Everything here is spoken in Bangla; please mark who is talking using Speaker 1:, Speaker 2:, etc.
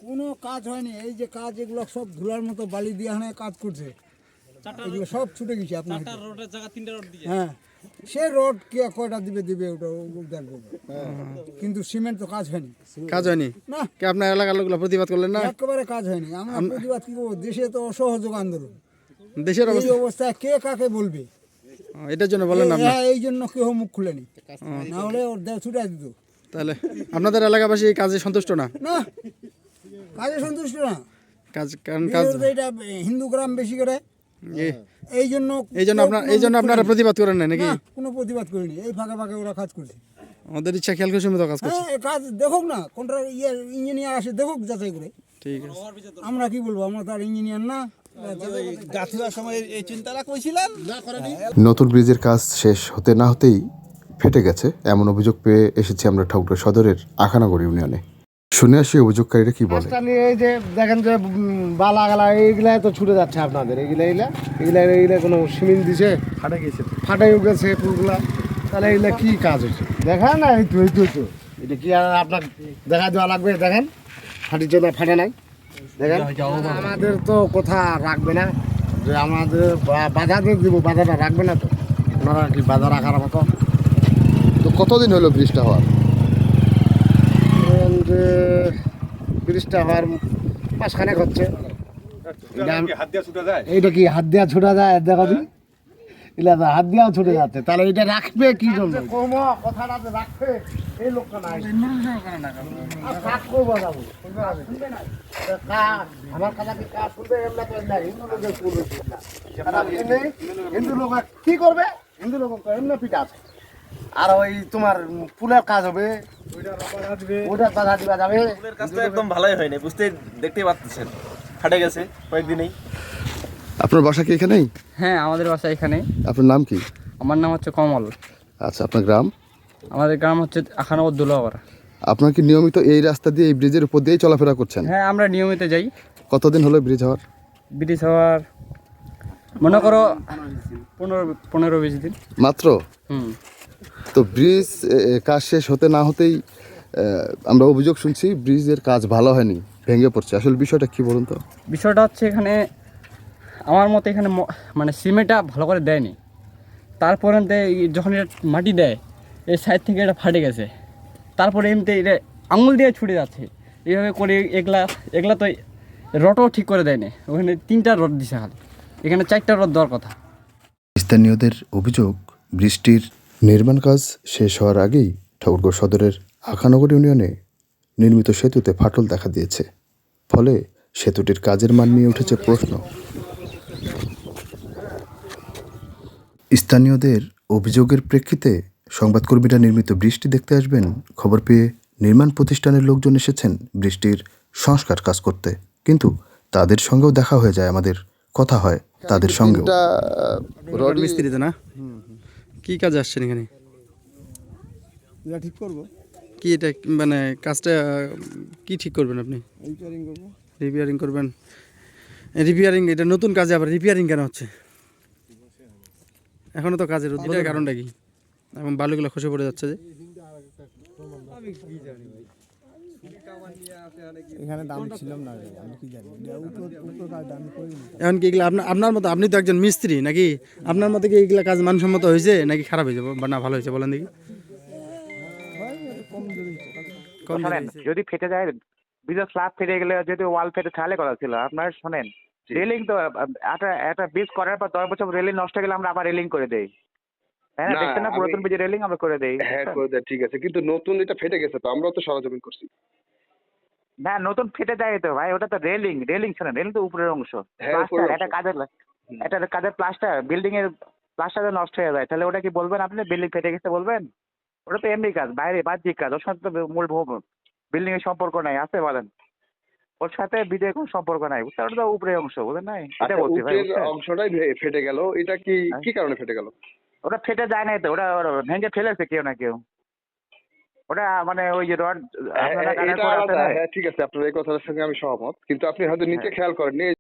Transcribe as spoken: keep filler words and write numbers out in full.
Speaker 1: কোনো কাজ হয়নি, এই যে কাজ এগুলো সব ধুলার মতো বালি দিয়ে এখানে কাজ করছে, এগুলো সব ছুটে গেছে আপনার। হ্যাঁ, সে রোড কে কয়টা দিবে দিবে ওটা দেখবো, কিন্তু সিমেন্ট তো কাজ হয়নি।
Speaker 2: কাজ হয়নি
Speaker 1: না,
Speaker 2: কি আপনার এলাকার লোকগুলো প্রতিবাদ করলেন না?
Speaker 1: একেবারে কাজ হয়নি। আমরা প্রতিবাদ কি করবো? দেশে তো অসহযোগ আন্দোলন,
Speaker 2: দেশের
Speaker 1: এই
Speaker 2: অবস্থা
Speaker 1: অবস্থায় কে কাকে বলবে?
Speaker 2: ও, এটার জন্য বলেন না আপনার?
Speaker 1: হ্যাঁ, এই জন্য কেউ মুখ খুলেনি, না হলে ওর দেহ ছুটাই দিত।
Speaker 2: তাহলে আপনাদের এলাকাবাসী এই কাজে সন্তুষ্ট না?
Speaker 1: না, কাজে সন্তুষ্ট না।
Speaker 2: কাজ কারণ কাজ
Speaker 1: বিশেষত এটা হিন্দু গ্রাম বেশি করে,
Speaker 2: এ-
Speaker 1: এই জন্য
Speaker 2: এই জন্য আপনার এই জন্য আপনারা প্রতিবাদ করেন না নাকি?
Speaker 1: না, কোনো প্রতিবাদ করিনি। এই ফাঁকে ফাঁকে ওরা কাজ করছে।
Speaker 2: আমাদের ইচ্ছা খেয়াল করে সীমিত কাজ করছে।
Speaker 1: হ্যাঁ, এই কাজ দেখুক না, কোনটা ইয়ে ইঞ্জিনিয়ার আসে দেখুক যাচাই করে।
Speaker 2: ঠিক আছে।
Speaker 1: আমরা কি বলবো? আমরা তো আর ইঞ্জিনিয়ার না।
Speaker 3: নতুন ব্রিজের কাজ শেষ হতে না হতেই ফেটে গেছে এমন অভিযোগ পেয়ে এসেছি আমরা ঠাকুরগাঁও সদরের আখানাগড় ইউনিয়নে। শুনে আসি অভিযোগকারীরা কি বলে।
Speaker 4: রাস্তা নিয়ে এই যে দেখেন যে উম, বালা গালা এইগুলাই তো ছুটে যাচ্ছে আপনাদের, এইগুলা এইগুলা এইগুলা এইগুলা কোনো সিমেন্ট দিছে ফাটে গেছে, ফাটে গেছে পুরগুলা, তাহলে এইগুলা কি কাজ হচ্ছে দেখেন না? এই তো এই তো এই তো এটা কি আর আপনার দেখা দেওয়া লাগবে? দেখেন ফাটিছে না ফাটে নাই, দেখেন। আমাদের তো কথা রাখবে না, যে আমাদের বা- বাধা দিয়ে দিব, বাধাটা রাখবে না তো ওনারা, কি বাধা রাখার মতো?
Speaker 3: তো কতদিন হলো ব্রিজটা হওয়ার?
Speaker 4: ধরেন যে ব্রিজটা হওয়ার মাসখানেক হচ্ছে। এটা আমি- এইটা কি হাত দেওয়া ছুটা যায়? দেখো দিন, এগুলা তো হাত দেওয়াও ছুটে যাচ্ছে, তাহলে এটা রাখবে কি জন্য? কথাটা যে রাখবে এই লোকটা নাই। আর কাজ করবো যাবো। কা- আমার কথা কি কাজ করবে? এমনি তো না, হিন্দু লোকের করবে না। আর এমনি হিন্দু লোক কি করবে? হিন্দু লোক এমনি পিঠা আছে। আর ওই তোমার ফুলের কাজ হবে, ওটা বাধা দিবা যাবে।
Speaker 5: ফুলের কাজটা একদম ভালোই হয়নি, বুঝতে দেখতেই পাচ্ছেন ফাটে গেছে কয়েকদিনেই।
Speaker 3: আপনার বাসা কি এখানেই?
Speaker 6: হ্যাঁ, আমাদের বাসা এখানে।
Speaker 3: আপনার নাম কি?
Speaker 6: আমার নাম হচ্ছে কমল।
Speaker 3: আচ্ছা, আপনার গ্রাম?
Speaker 6: আমাদের গ্রাম হচ্ছে আখানাবাদ দুলাগড়।
Speaker 3: আপনার কি নিয়মিত এই রাস্তা দিয়ে এই ব্রিজের উপর দিয়েই চলাফেরা করছেন?
Speaker 6: হ্যাঁ, আমরা নিয়মিত যাই।
Speaker 3: কতদিন হলো ব্রিজ হওয়ার?
Speaker 6: ব্রিটিশ হওয়ার মনে করো পনেরো পনেরো বিশ দিন।
Speaker 3: মাত্র?
Speaker 6: হুম।
Speaker 3: তো ব্রিজ এ, এ, কাজ শেষ হতে না হতেই আহ, আমরা অভিযোগ শুনছি ব্রিজের কাজ ভালো হয়নি, ভেঙে পড়ছে। আসলে বিষয়টা কি বলুন তো?
Speaker 6: বিষয়টা হচ্ছে এখানে আমার মতে এখানে ম- মানে সিমেন্টটা ভালো করে দেয়নি। তারপরে যখন এটা মাটি দেয় এই সাইড থেকে এটা ফাটে গেছে, তারপরে এমনিতে এটা আঙুল দিয়ে ছুটে যাচ্ছে এইভাবে করে। এগুলা এগুলা তো রডও ঠিক করে দেয়নি, ওখানে তিনটা রড দিছে খালি, এখানে চারটা রড দেওয়ার কথা।
Speaker 3: স্থানীয়দের অভিযোগ, বৃষ্টির নির্মাণ কাজ শেষ হওয়ার আগেই ঠাকুরগাঁও সদরের আখানগর ইউনিয়নে নির্মিত সেতুতে ফাটল দেখা দিয়েছে। ফলে সেতুটির কাজের মান নিয়ে উঠেছে প্রশ্ন। স্থানীয়দের অভিযোগের প্রেক্ষিতে সংবাদকর্মীরা নির্মিত বৃষ্টি দেখতে আসবেন খবর পেয়ে নির্মাণ প্রতিষ্ঠানের লোকজন এসেছেন বৃষ্টির সংস্কার কাজ করতে, কিন্তু তাদের সঙ্গেও দেখা হয়ে যায়, আমাদের কথা হয় তাদের সঙ্গেও।
Speaker 2: রড মিস্ত্রি তো না? কি কাজে আসছেন এখানে?
Speaker 1: এটা ঠিক করবো,
Speaker 2: কি এটা মানে কাজটা কি ঠিক করবেন আপনি?
Speaker 1: রিপেয়ারিং করবো।
Speaker 2: রিপেয়ারিং করবেন? রিপেয়ারিং, এটা নতুন কাজে আবার রিপেয়ারিং কেন হচ্ছে? এখনো তো কাজের উদ্বোধনের কারণটা কি? এবং বালুগুলো খসে পড়ে যাচ্ছে যে।
Speaker 1: এখানে দাম ছিলাম না, আমি কি জানি, উপর কাজ আমি করিনি।
Speaker 2: এখন কি এগুলো আপনার আপনার মতো, আপনি তো একজন মিস্ত্রি নাকি, আপনার মতো কি এগুলা কাজ মানসম্মত হয়েছে নাকি খারাপ হয়েছে বা না ভালো হয়েছে বলেন দেখি? কম
Speaker 7: শোনেন, যদি ফেটে যায়, ব্রিজের স্ল্যাব ফেটে গেলে যদি ওয়াল ফেটে তাহলে কথা ছিল। আপনার শোনেন, রেলিং তো একটা একটা ব্রিজ করার পর দশ বছর রেলিং নষ্ট হয়ে গেলে আমরা আবার রেলিং করে দেই, হ্যাঁ
Speaker 8: না,
Speaker 7: দেখছেন না?
Speaker 8: আমি-
Speaker 7: পুরাতন ব্রিজের রেলিং আমরা করে দেই।
Speaker 8: হ্যাঁ করে দেয়, ঠিক আছে, কিন্তু নতুন এটা ফেটে গেছে তো আমরাও তো সরজমিন করছি।
Speaker 7: না, নতুন ফেটে যায় তো ভাই, ওটা তো রেলিং। রেলিং শোনেন, রেলিং তো উপরের অংশ,
Speaker 8: হ্যাঁ, উপরের
Speaker 7: প্লাস্টার,
Speaker 8: অংশ।
Speaker 7: একটা কাজের একটা কাজের প্লাস্টার, বিল্ডিং এর প্লাস্টার নষ্ট হয়ে যায়, তাহলে ওটা কি বলবেন আপনি বিল্ডিং ফেটে গেছে বলবেন? ওটা তো এমনি কাজ, বাইরে বাহ্যিক কাজ, ওর সাথে তো মূল বিল্ডিং এর সম্পর্ক নাই, আছে বলেন? ওর সাথে বিদের কোনো সম্পর্ক নাই, বুঝতে পারছেন? ওটা তো উপরের অংশ, বুঝলেন নাই? এটা
Speaker 8: আচ্ছা,
Speaker 7: বলছি ভাই,
Speaker 8: উপরের
Speaker 7: বুঝছেন?
Speaker 8: অংশটাই ভে- ফেটে গেল, এটা কি
Speaker 7: হ্যাঁ।
Speaker 8: কি কারণে ফেটে গেল?
Speaker 7: ওটা ফেটে যায় নাই তো, ওটা ওটা ভেঙে ফেলেছে কেউ না কেউ। ওটা মানে ওই যে রড
Speaker 8: হ্যাঁ,
Speaker 7: আপনারা
Speaker 8: হ্যাঁ,
Speaker 7: কাটার
Speaker 8: এটা
Speaker 7: পর আছে
Speaker 8: আলাদা,
Speaker 7: না?
Speaker 8: হ্যাঁ ঠিক আছে, আপনার এই কথাটার সঙ্গে আমি সহমত, কিন্তু আপনি হয়তো নিচে
Speaker 7: হ্যাঁ।
Speaker 8: খেয়াল করেননি,